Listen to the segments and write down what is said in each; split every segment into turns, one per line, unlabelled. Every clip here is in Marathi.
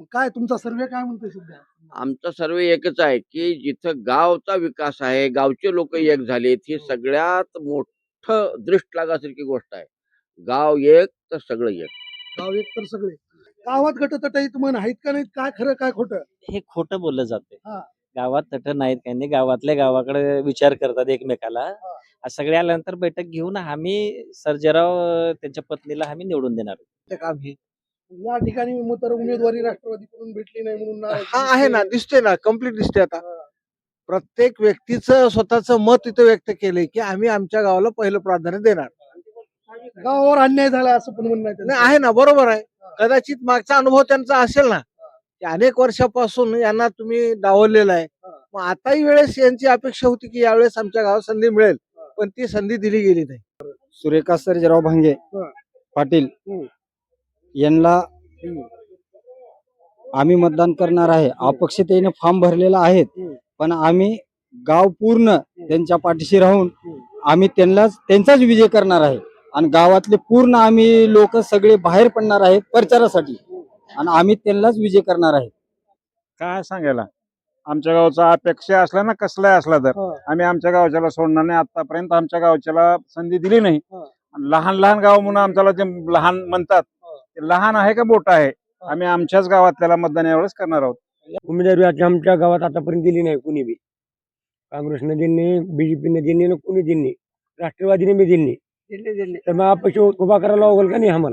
काय तुमचा सर्वे काय म्हणतोय सध्या?
आमचा सर्वे एकच आहे की जिथं गावचा विकास आहे, गावचे लोक एक झालेत, ही सगळ्यात मोठं दृष्ट लागासारखी गोष्ट आहे. गाव एक तर सगळं एक.
गाव एक तर सगळे. गावात गटतटाईत म्हण आहेत का नाहीत? काय खरं काय खोटं?
हे खोटं बोललं जाते.
हा.
गावात तट नाहीत काही नाही, गावातल्या गावाकडे विचार करतात एकमेकाला. सगळे आल्यानंतर बैठक घेऊन आम्ही सर्जेराव त्यांच्या पत्नीला आम्ही निवडून देणार.
ते काम हे या ठिकाणी तर उमेदवारी राष्ट्रवादीकडून भेटली नाही म्हणून
हा आहे ना, दिसते ना, कम्प्लीट दिसते. आता प्रत्येक व्यक्तीचं स्वतःचं मत इथं व्यक्त केलंय की आम्ही आमच्या गावाला पहिलं प्राधान्य देणार.
गावावर अन्याय झाला असं पण म्हणणं आहे त्यांचं.
नाही आहे ना, बरोबर आहे. कदाचित मागचा अनुभव त्यांचा असेल ना, की अनेक वर्षापासून यांना तुम्ही डावललेला आहे. मग आताही वेळेस यांची अपेक्षा होती की यावेळेस आमच्या गावात संधी मिळेल, पण ती संधी दिली गेली नाही.
सुरेखा सर्जेराव भांगे पाटील यांना आम्ही मतदान करणार आहे. अपक्षतेने फॉर्म भरलेला आहे, पण आम्ही गाव पूर्ण त्यांच्या पाठीशी राहून आम्ही त्यांचाच विजय करणार आहे. आणि गावातले पूर्ण आम्ही लोक सगळे बाहेर पडणार आहेत प्रचारासाठी, आणि आम्ही त्यांनाच विजय करणार आहे.
काय सांगायला, आमच्या गावचा अपेक्षा असला ना, कसलाही असला तर आम्ही आमच्या गावच्याला सोडणार नाही. आतापर्यंत आमच्या गावच्याला संधी दिली नाही. लहान लहान गाव म्हणून आमच्याला जे लहान म्हणतात, ते लहान आहे का मोठं आहे, आम्ही आमच्याच गावात त्याला मतदान यावेळेस करणार आहोत.
उमेदवारी आमच्या गावात आतापर्यंत दिली नाही कुणी बी. काँग्रेसने दिली नाही, बीजेपीने दिली नाही, कुणी दिली नाही, राष्ट्रवादीने बी दिली नाही. तर मग अपक्ष उभा करायला लागेल का नाही आम्हाला?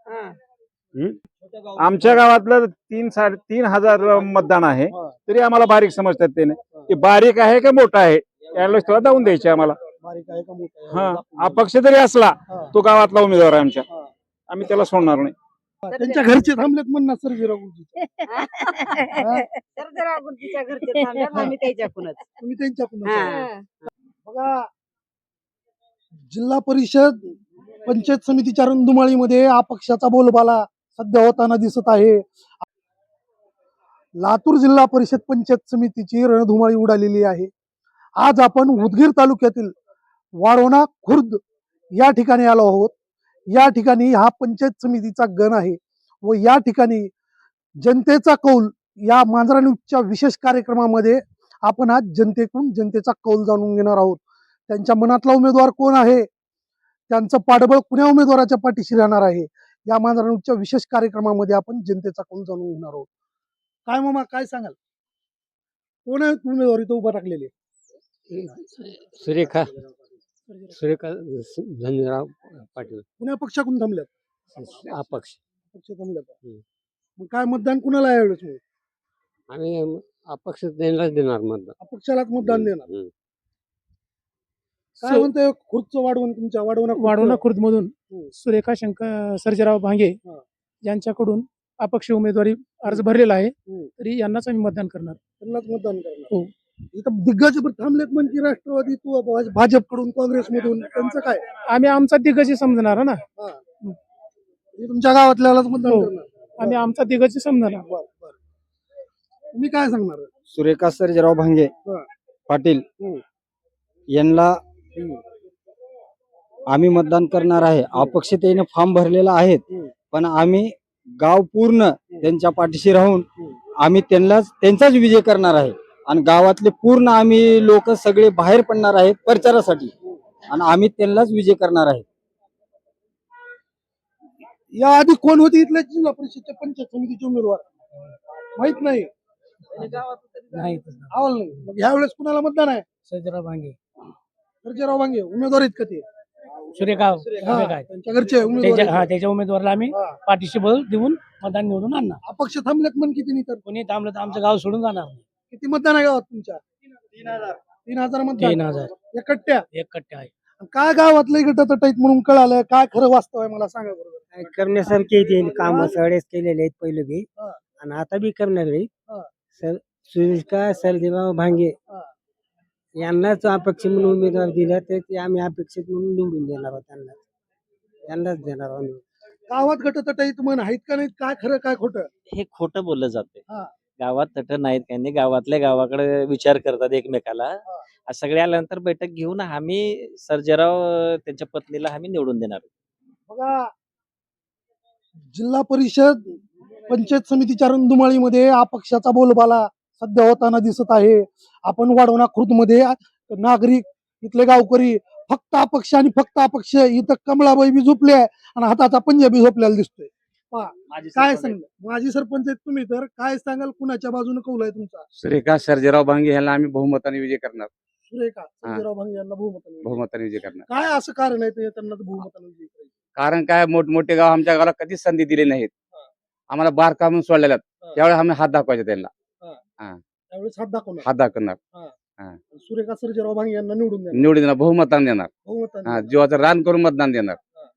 आमच्या गावातलं 3,000-3,500 मतदान आहे, तरी आम्हाला बारीक समजतात. ते बारीक आहे का मोठा आहे यावेळेस थोडा दावून द्यायचे आम्हाला.
बारीक आहे का मोठं आहे?
हा, अपक्ष जरी असला तो गावातला उमेदवार आहे आमच्या, आम्ही त्याला सोडणार नाही.
त्यांच्या घरचे थांबलेत म्हणणार सर्जेराव गुरुजी.
सर्जेराव गुरुजीच्या घरचे थांबल्यात, आम्ही त्याच्याकडूनच.
तुम्ही त्यांच्याकडून बघा. जिल्हा परिषद पंचायत समितीच्या रणधुमाळीमध्ये अपक्षाचा बोलबाला सध्या होताना दिसत आहे. लातूर जिल्हा परिषद पंचायत समितीची रणधुमाळी उडालेली आहे. आज आपण उदगीर तालुक्यातील वाढवणा खुर्द या ठिकाणी आलो आहोत. या ठिकाणी हा पंचायत समितीचा गण आहे व या ठिकाणी जनतेचा कौल या मांजरा न्यूजच्या विशेष कार्यक्रमामध्ये आपण आज जनतेचा कौल जाणून घेणार आहोत. त्यांच्या मनातला उमेदवार कोण आहे, त्यांचं पाठबळ कुण्या उमेदवाराच्या पाठीशी राहणार आहे, या मांजरा न्यूजच्या विशेष कार्यक्रमामध्ये आपण जनतेचा कौल जाणून घेणार आहोत. काय मामा, काय सांगाल, कोण आहे उमेदवार इथं उभा टाकलेले?
सुरेखा धनराव पाटील.
कुण्या पक्षाकडून थांबल्यात?
अपक्ष.
पक्ष थांबल्यात. मग काय मतदान कुणाला आहे यावेळेस?
आम्ही अपक्ष त्यांनाच देणार मतदान.
अपक्षालाच मतदान देणार. काय म्हणतोय खुर्दचं वाढवण, तुमच्या
वाढवणा खुर्द मधून सुरेखा शंकर सर्जेराव भांगे यांच्याकडून अपक्ष उमेदवारी अर्ज भरलेला आहे, तरी यांनाच आम्ही मतदान करणार.
त्यांनाच मतदान करणार. हो. इथं दिग्गज थांबलेत म्हणजे राष्ट्रवादी, भाजपकडून, काँग्रेसमधून, त्यांचं काय?
आम्ही आमचा दिग्गज समजणार ना.
तुमच्या गावातल्यालाच मतदान करणार.
आम्ही आमचा दिग्गज समजणार.
तुम्ही काय सांगणार?
सुरेखा सर्जेराव भांगे पाटील यांना आम्ही मतदान करणार आहे. अपक्षतेने फॉर्म भरलेला आहे, पण आम्ही गाव पूर्ण त्यांच्या पाठीशी राहून आम्ही त्यांचाच विजय करणार आहे. आणि गावातले पूर्ण आम्ही लोक सगळे बाहेर पडणार आहेत प्रचारासाठी, आणि आम्ही त्यांनाच विजय करणार आहे.
या आधी कोण होते इथल्या जिल्हा परिषदच्या पंचायत समितीचे उमेदवार? माहित नाही. आवल नाही. मग यावेळेस कुणाला मतदान आहे?
सर्जेराव भांगे.
सर्जेराव भांगे उमेदवार आहेत का ते?
सुरेखा
त्यांच्या घरचे उमेदवार.
त्याच्या उमेदवाराला आम्ही पाठीशी बळ देऊन मतदान निवडून आणणार.
अपक्ष थांबलेत म्हण किती नाही तर?
कोणी थांबलं तर आमचं गाव सोडून जाणार नाही.
किती मतदान आहे गावात तुमच्या? 3,000 मतदान.
3,000
एक
कट्टे आहे.
काय गावातलं गटतटाईत म्हणून कळालं? काय खरं वास्तव आहे मला सांगा बरोबर.
काय करण्यासारखे ते काम सगळेच केलेले आहेत पहिले बी, आणि आता बी करणार आहे. सुरेखा सर्जेराव भांगे यांनाच अपक्ष म्हणून उमेदवार दिला, तर ते आम्ही अपेक्षित म्हणून निवडून देणार आहोत. त्यांनाच देणार आहोत.
गावात गटतटाईत म्हण आहेत का नाहीत? काय खरं काय खोटं?
हे खोटं बोललं जाते. गावात तट नाहीत काही नाही, गावातल्या गावाकडे विचार करतात एकमेकाला. सगळे आल्यानंतर बैठक घेऊन आम्ही सर्जेराव त्यांच्या पत्नीला आम्ही निवडून देणार.
बघा, जिल्हा परिषद पंचायत समितीच्या रणधुमाळीमध्ये अपक्षाचा बोलबाला सध्या होताना दिसत आहे. आपण वाढवणा खुर्दमध्ये नागरिक, इथले गावकरी फक्त अपक्ष आणि फक्त अपक्ष. इथं कमळाबाई बी झोपले आहे आणि हाताचा पंजाबी झोपलेला दिसतोय. काय सांगाल? माजी सरपंच आहेत तुम्ही, तर काय सांगाल, कुणाच्या बाजूने कौल आहे तुमचा?
सुरेखा सर्जेराव भांगे यांना आम्ही बहुमताने विजय करणार.
सुरेखा सर्जेराव भांगे यांना बहुमताने.
बहुमताने विजय करणार.
काय असं कारण आहे ते त्यांना बहुमताने विजयी करायचं?
कारण काय, मोठमोठे गाव आमच्या गावाला कधीच संधी दिली नाहीत. आम्हाला बार काढून सोडलेल्या त्यावेळेस आम्ही हात दाखवायचे त्यांना.
त्यावेळेस हात दाखवणार.
हात दाखवणार.
सुरेखा सर्जेराव भांगे यांना निवडून देणार.
निवडून देणार, बहुमताने देणार.
बहुमताने.
जीवाचं रान करून मतदान देणार.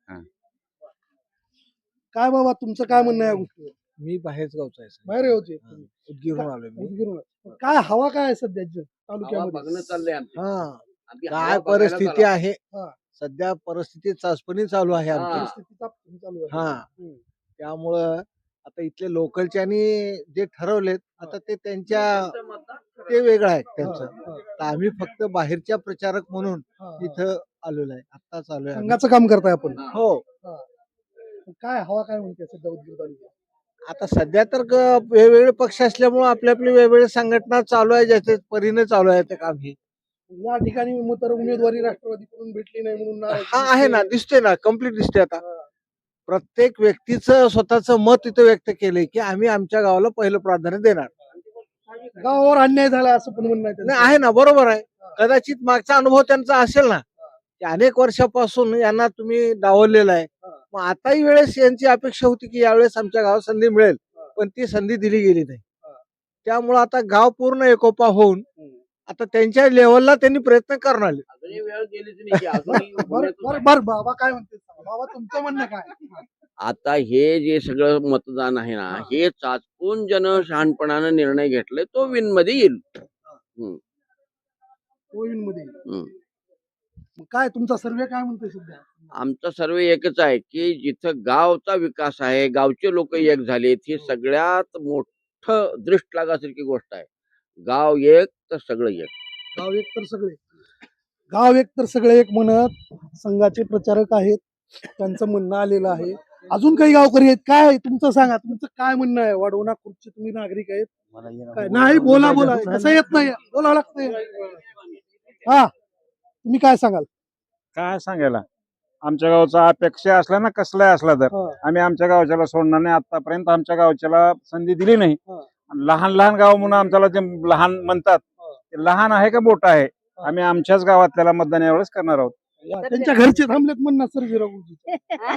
काय बाबा तुमचं काय म्हणणं आहे या गोष्टीवर?
मी बाहेरच गावचा आहे
बाहेर होते
उदगीरहून आलोय मी.
काय हवा काय आहे सध्या
आम्हाला
तालुक्यामध्ये?
बघणं चाललंय आमचं.
हा
आम्ही
काय
हवा बघायला
परिस्थिती
चाललो.
आहे
हा.
सध्या परिस्थिती चाचपणी चालू आहे आमची.
परिस्थितीचा चालू आहे.
हा त्यामुळं आता इथले लोकलच्यानी जे ठरवलेत आता ते त्यांच्या ते वेगळं आहे त्यांचं. तर आम्ही फक्त बाहेरच्या प्रचारक म्हणून इथं आलेलो आहे. आत्ताच आलोय आम्ही.
संघाचं काम करताय आपण.
हो
काय हवा काय म्हणते सध्या उदगीर तालुक्यात?
आता सध्या तर वेगवेगळे पक्ष असल्यामुळे आपली आपली वेगवेगळी संघटना चालू आहे, ज्याच्या परीने चालू आहे ते काम हे.
या ठिकाणी तर उमेदवारी राष्ट्रवादीकडून भेटली नाही म्हणून नाराजी
हा आहे ना,
दिसते.
दिसते ना, कम्प्लीट दिसते. आता प्रत्येक व्यक्तीचं स्वतःचं मत इथं व्यक्त केलंय की आम्ही आमच्या गावाला पहिलं प्राधान्य देणार.
गावावर अन्याय झाला असं पण म्हणणं आहे त्यांचं.
नाही आहे ना, बरोबर आहे. कदाचित मागचा अनुभव त्यांचा असेल ना, की अनेक वर्षापासून यांना तुम्ही डावललेला आहे. मग आताही वेळेस यांची अपेक्षा होती की यावेळेस आमच्या गावात संधी मिळेल, पण ती संधी दिली गेली नाही. त्यामुळं आता गाव पूर्ण एकोपा होऊन आता त्यांच्या लेवलला त्यांनी प्रयत्न करणार.
अजूनही वेळ गेलीच नाही की अजूनही उभं
बर बाबा काय म्हणते? बाबा तुमचं म्हणणं काय?
आता हे जे सगळं मतदान आहे ना, हे चाचपून शहाणपणानं निर्णय घेतलाय तो विन मध्ये येईल.
कोविडमध्ये
हम्म.
मग काय तुमचा सर्वे काय म्हणतोय सध्या?
आमचा सर्वे एकच आहे की जिथं गावचा विकास आहे, गावचे लोक एक झालेत, ही सगळ्यात मोठं दृष्ट लागासारखी गोष्ट आहे. गाव एक तर सगळं एक.
गाव एक तर सगळे, गाव एक तर सगळे एक म्हणत संघाचे प्रचारक आहेत, त्यांचं म्हणणं आलेलं आहे. अजून काही गावकरी आहेत, काय तुमचं सांगा, तुमचं काय म्हणणं आहे? वाढवणा खुर्दचे तुम्ही नागरिक आहेत. काय नाही, बोला बोला, कसं येत नाही, बोलावं लागतंय. हा तुम्ही काय सांगाल?
काय सांगायला, आमच्या गावचा अपेक्षा असला ना, कसलाही असला तर आम्ही आमच्या गावच्याला सोडणार नाही. आतापर्यंत आमच्या गावच्याला संधी दिली नाही. आणि लहान लहान गाव म्हणून आमच्याला जे लहान म्हणतात, ते लहान आहे का मोठं आहे, आम्ही आमच्याच गावात त्याला मतदान यावेळेस करणार आहोत.
त्यांच्या घरचे थांबलेत म्हणणार सर्जेराव गुरुजी.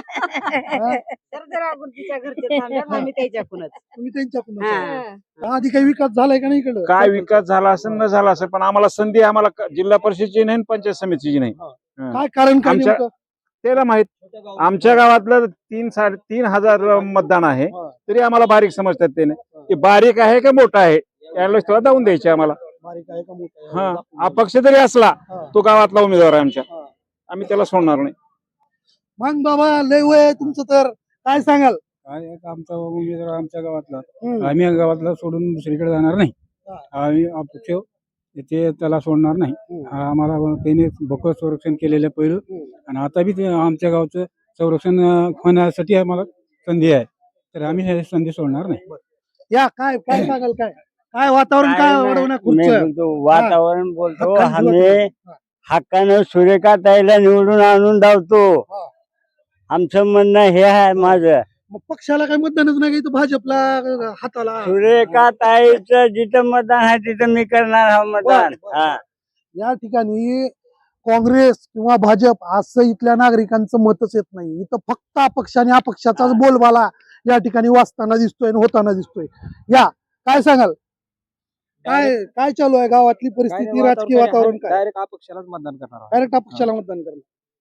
सर्जेराव गुरुजीच्या घरचे थांबल्यात, आम्ही त्याच्याकडूनच.
तुम्ही त्यांच्याकडून आधी काही विकास झालाय का नाही इकडं?
काय विकास झाला असेल न झाला असेल, पण आम्हाला संधी आम्हाला जिल्हा परिषदची नाही, पंचायत समितीची नाही.
काय कारण काय
आमच्या-
नेमकं?
त्याला माहित. आमच्या गावातलं 3-3.5 मतदान आहे, तरी आम्हाला बारीक समजतात. ते बारीक आहे का मोठा आहे यावेळेस तेव्हा जाऊन द्यायचे आम्हाला.
बारीक आहे का मोठं आहे?
हा, अपक्ष जरी असला तो गावातला उमेदवार आहे आमच्या, आम्ही त्याला सोडणार नाही.
मग बाबा लय वय आहे तुमचं, तर काय सांगाल?
काय आमचा उमेदवार आमच्या गावातला,
हम्म.
आम्ही या गावातला सोडून दुसरीकडे जाणार नाही. आम्ही अपक्ष ते त्याला सोडणार नाही. आम्हाला त्याने भोकर संरक्षण केलेलं आहे पहिलं, आणि आता बी ते आमच्या गावचं संरक्षण होण्यासाठी आम्हाला संधी आहे, तर आम्ही हे संधी सोडणार नाही.
या काय काय सांगाल? काय काय वातावरण काय वाढवणं खुर्चं?
वातावरण बोलतो
हक्काने
आम्ही
हा.
हक्कानं सुरेखा ताईला निवडून आणून धावतो.
हा.
आमचं म्हणणं हे आहे माझं.
मग पक्षाला काही मतदानच नाही, इथं भाजपला हाताला.
सुरेखा ताईचं जिथं मतदान आहे तिथं मी करणार हा मतदान.
बरं, बरं.
हा.
या ठिकाणी काँग्रेस किंवा भाजप असं इथल्या नागरिकांचं मतच येत नाही. इथं फक्त अपक्ष आणि अपक्षाचाच बोलबाला या ठिकाणी वाचताना दिसतोय आणि होताना दिसतोय. या काय सांगाल? काय काय चालू आहे गावातली परिस्थिती, राजकीय वातावरण काय?
डायरेक्ट अपक्षालाच मतदान करणार
डायरेक्ट अपक्षाला मतदान करणार,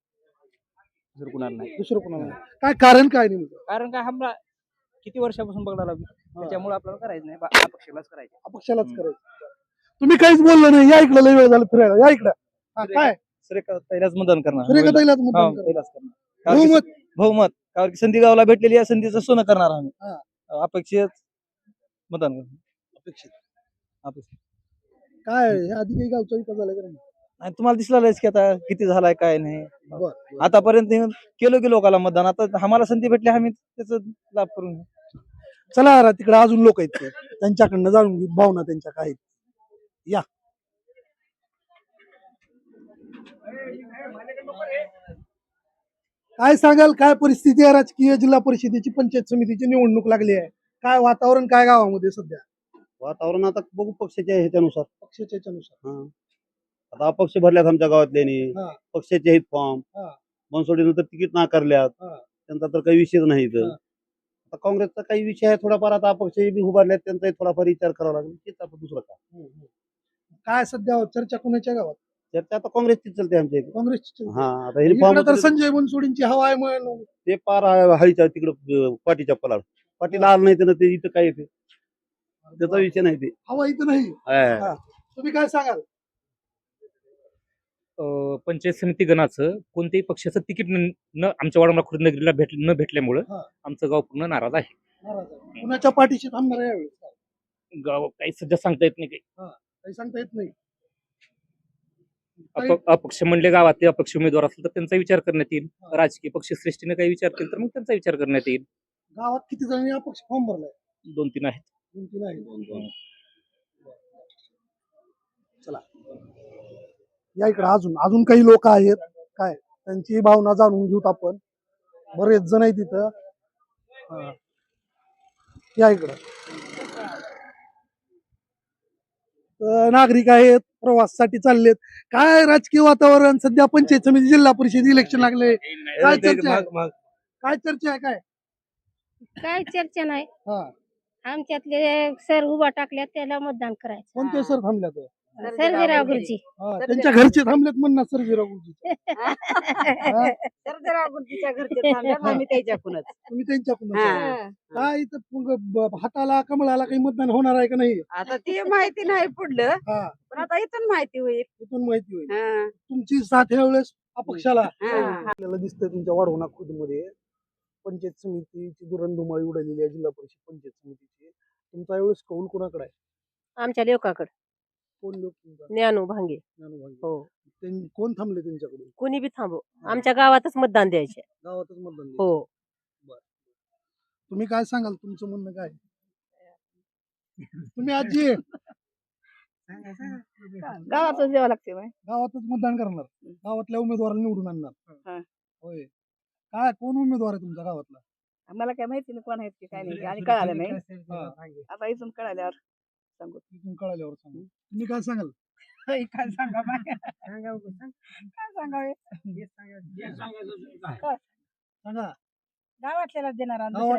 नाही.
दुसरं कोणाला नाही. काय कारण काय नेमकं?
कारण काय, आम्हाला किती वर्षापासून बघायला लागलो, त्याच्यामुळे आपल्याला करायचं नाही, अपक्षालाच करायचं.
अपक्षालाच करायचं. तुम्ही काहीच बोललो नाही. या इकडं, लय वेळ झाला फिरायला. या इकडं. हा, काय
सुरेखा ताईलाच मतदान करणार.
सूर्यकाताईलाच मतदान करणार. बहुमत.
बहुमत, कारण की संधी गावाला भेटलेली या संधीचं सोनं करणार आम्ही.
हा.
अपेक्षित मतदान करणार.
अपेक्षित.
अपेक्षित.
काय हे आधी काही गावचा विकास झाला का नाही?
आणि तुम्हाला दिसलाच की आता किती झालाय काय नाही.
बरं.
आतापर्यंत केलो की लोकांना मतदान, आता आम्हाला संधी भेटली, आम्ही त्याचा लाभ करून घेऊ.
चला तिकडे अजून लोक आहेत त्यांच्याकडनं जाणून घेऊ भावना त्यांच्या काय आहेत. या काय सांगाल, काय परिस्थिती आहे राजकीय? जिल्हा परिषदेची पंचायत समितीची निवडणूक लागली आहे, काय वातावरण काय गावामध्ये सध्या?
वातावरण आता बघू पक्षाच्या ह्याच्यानुसार.
पक्षाच्या याच्यानुसार.
हा. आता अपक्ष भरल्यात आमच्या गावातल्यानी,
हा.
पक्षाचे आहेत फॉर्म,
हा.
बनसोडीनंतर तिकीट नाकारल्यात,
हा.
त्यांचा तर काही विषयच नाही इथं.
हा.
आता काँग्रेसचा काही विषय आहे थोडाफार, आता अपक्ष बी उभारल्यात त्यांचाही थोडाफार विचार करावा लागेल, तेच आपण दुसरं काय.
काय सध्या चर्चा कोणाच्या गावात?
चर्चा आता काँग्रेसची चलते आमच्या इथे.
काँग्रेसची.
हा, आता हे
इकडं तर
फॉर्म
संजय बनसोडींची हवा आहे म्हणून.
ते पार हळीच्या तिकडं पाठीच्या पलाड पाटील आलं नाही तर ते इथं काय येते त्याचा विषय नाही ते.
हवा इथं नाही.
हा.
हा. तुम्ही काय सांगाल?
पंचायत समिती गणाचं कोणत्याही पक्षाचं तिकीट न आमच्या वाडा खुर्द नगरीला न भेटल्यामुळं
हा.
आमचं गाव पूर्ण नाराज आहे.
नाराज आहे. कुणाच्या पाठीशी थांबणार आहे यावेळेस?
गाव काही सध्या सांगता येत नाही काही.
काही सांगता येत नाही.
अपक्ष म्हणले गावातले अपक्ष उमेदवार असेल तर त्यांचा विचार करण्यात येईल. राजकीय पक्ष श्रेष्ठीने काही विचार केला तर मग त्यांचा विचार करण्यात येईल.
गावात किती जणांनी अपक्ष फॉर्म भरलाय?
2-3 आहेत.
2-3 आहे. चला या इकडे अजून काही लोक आहेत, काय त्यांची भावना जाणून घेऊत आपण. बरेच जण आहेत तिथं. या इकडं नागरिक आहेत, प्रवासासाठी चाललेत. काय राजकीय वातावरण सध्या? पंचायत समिती जिल्हा परिषद इलेक्शन लागले, काय चर्चा आहे? काय चर्चा आहे?
काय चर्चा नाही.
हा.
आमच्यातले सर उभा टाकल्यात त्याला मतदान करायचं.
कोणते सर थांबल्यात?
सर्जेराव गुरुजी.
त्यांच्या घरचे थांबलेत म्हणणार सर्जेराव गुरुजी.
सर्जेराव गुरुजीच्या घरचे थांबल्यात, आम्ही त्याच्याकडूनच.
तुम्ही त्यांच्याकडून.
हा.
काय इथं हाताला कमळाला काही मतदान होणार आहे का नाही?
आता ते माहिती नाही पुढलं,
हा.
पण आता इथून माहिती होईल.
इथून माहिती होईल.
हा.
तुमची साथ यावेळेस अपक्षाला.
हा.
आपल्याला दिसतंय तुमच्या वाढवणा खुर्द मध्ये पंचायत समितीची दुरंधुमाळी उडालेली आहे, जिल्हा परिषद पंचायत समितीची. तुमचा यावेळेस कौल कोणाकडे आहे?
आमच्या लेवकाकडे
कोण लोक तुमचा?
ज्ञानू भांगे.
ज्ञानोभांगे.
हो.
कोण थांबले त्यांच्याकडून?
कोणी बी थांबो, आमच्या गावातच मतदान द्यायचे.
गावातच मतदान दिलं.
हो.
तुम्ही काय सांगाल, तुमचं म्हणणं काय? तुम्ही आजी आहे?
गावातच द्यावं लागते.
गावातच मतदान करणार, गावातल्या उमेदवाराला निवडून आणणार. होय. काय कोण उमेदवार आहे तुमच्या गावातला?
आम्हाला काय माहिती नाही कोण आहेत की काय नाही, आणि कळालं नाही. आता इथून कळाल्यावर सांगू.
इथून कळाल्यावर सांगू. तुम्ही काय सांगाल?
काय सांगा काय सांगावे.
सांगा.
गावातल्याला देणार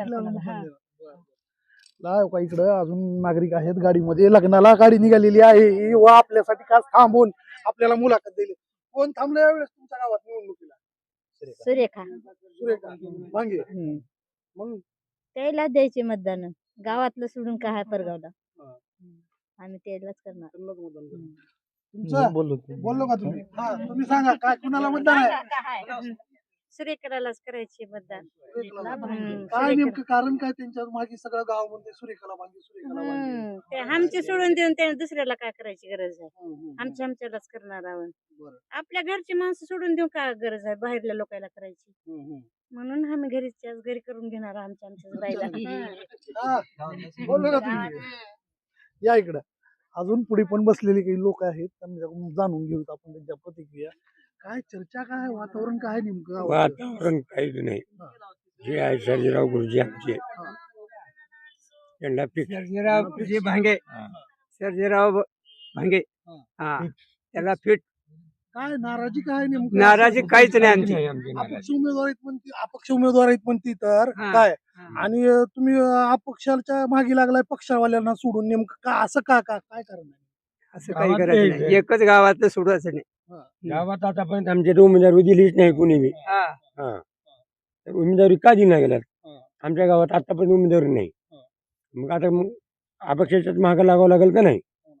लाव का इकडं अजून नागरिक आहेत गाडीमध्ये. लग्नाला गाडी निघालेली आहे व आपल्यासाठी खास थांबून आपल्याला मुलाखत दिली. कोण थांबलं यावेळेस तुमच्या गावात निवडणुकीला?
सुरेखा.
सुरेखा भांगे. मग
त्याला द्यायचे मतदान. गावातलं सोडून काय परगावला आम्ही त्यालाच करणार.
तुमचं बोललो का तुम्ही? हा, तुम्ही सांगा काय कुणाला मतदान आहे?
सुरेखालाच करायचे मतदान.
काय नेमकं कारण काय त्यांच्या मागे सगळं गाव म्हणते सुरेखाला भांगे, सुरेखाला भांगे.
ते आमचे सोडून देऊन त्याने दुसऱ्याला काय करायची गरज आहे? आमच्यालाच करणार आहोत. आपल्या घरची माणसं सोडून देऊन काय गरज आहे बाहेरल्या लोकांना करायची? म्हणून आम्ही घरी करून घेणार आमच्याच बाईला.
बोललो का तुम्ही? या इकडं अजून पुढे पण बसलेले काही लोक आहेत, त्यांच्याकडून जाणून घेऊत आपण त्यांच्या प्रतिक्रिया. काय चर्चा, काय वातावरण, काय नेमकं?
वातावरण काहीच नाही. जे आहे सर्जेराव गुरुजी आमचे, त्यांना
सर्जेराव गुरुजी भांगे. सर्जेराव भांगे. हा, त्याला फिट.
काय नाराजी काय नेमकं?
नाराजी काहीच नाही आमची.
अपक्ष उमेदवार आहेत म्हणती तर काय? आणि तुम्ही अपक्षाच्या मागे लागलाय पक्षावाल्यांना सोडून, नेमकं का असं काय कारण आहे?
असं काही करायचं नाही. एकच गावातलं सोडायचं नाही.
गावात आतापर्यंत आमच्या उमेदवारी दिलीच नाही कुणी बी. तर उमेदवारी का दिली नाही गेल्यात? आमच्या गावात आतापर्यंत उमेदवारी नाही. मग आता अपक्षाच्याच मागं लागावं लागेल का नाही?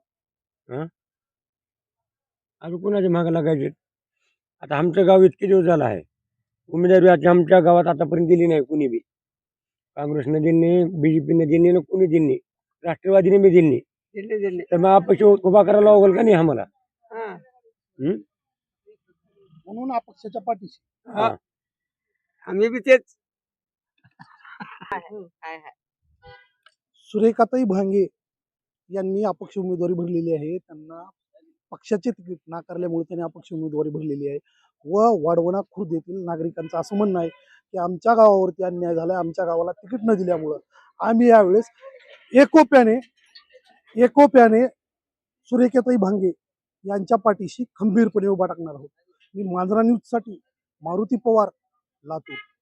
अजून कुणाच्या मागं लागायचे? आता आमचं गाव इतके दिवस झालं आहे, उमेदवारी आमच्या गावात आतापर्यंत दिली नाही कुणी बी. काँग्रेसने दिली नाही, बीजेपीने दिली नाही, कुणी दिली नाही, राष्ट्रवादीने बी दिली नाही. तर मग अपक्ष उभा करायला लागेल का नाही आम्हाला?
म्हणून अपक्षाच्या पाठीशी
आम्ही बी तेच.
सुरेखाताई भांगे यांनी अपक्ष उमेदवारी भरलेली आहे. त्यांना पक्षाचे तिकीट नाकारल्यामुळे त्यांनी अपक्ष उमेदवारी भरलेली आहे व वाढवणा खुर्द येथील नागरिकांचं असं म्हणणं आहे की आमच्या गावावरती अन्याय झालाय, आमच्या गावाला तिकीट न दिल्यामुळं आम्ही यावेळेस एकोप्याने सुरेखाताई भांगे यांच्या पाठीशी खंबीरपणे उभा टाकणार आहोत. मी मांजरा न्यूजसाठी मारुती पवार, लातूर.